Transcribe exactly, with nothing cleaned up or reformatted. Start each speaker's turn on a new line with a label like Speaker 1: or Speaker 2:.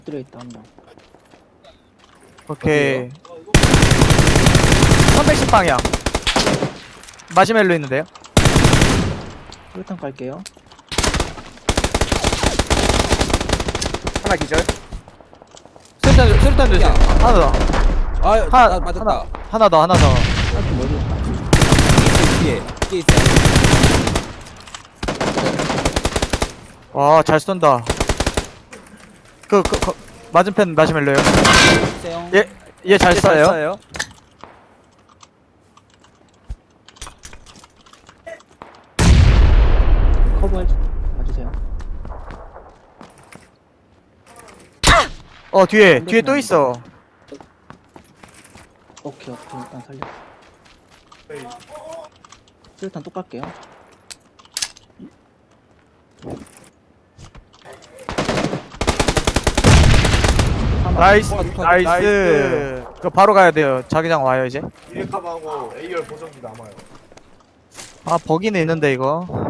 Speaker 1: 들어있다 한 명.
Speaker 2: 오케이. 삼백십 방향. 마시멜로 있는데요?
Speaker 1: 수류탄 깔게요.
Speaker 3: 하나 기절.
Speaker 2: 수류탄, 수류탄 조심.
Speaker 3: 야.
Speaker 2: 하나 더.
Speaker 3: 아,
Speaker 2: 하나,
Speaker 3: 나 맞았다.
Speaker 2: 하나, 하나 더, 하나 더.
Speaker 1: 하여튼 머리 있다.
Speaker 3: 뒤에, 뒤에 있어.
Speaker 2: 와, 잘 쏜다. 그, 그, 그 맞은편 마시멜로요.
Speaker 3: 세영.
Speaker 2: 얘, 얘 잘 쏴요.
Speaker 1: 커버 봐주세요.
Speaker 2: 어, 뒤에, 뒤에 또 있어.
Speaker 1: 오케이 오케이 일단 살려. 수류탄 또 깔게요.
Speaker 2: 나이스,
Speaker 3: 컷, 컷,
Speaker 2: 나이스.
Speaker 4: 나이스.
Speaker 2: 그거 바로 가야 돼요. 자기장 와요, 이제.
Speaker 4: 이레카하고 에이알 보정기 남아요.
Speaker 2: 아, 버기는 있는데, 이거.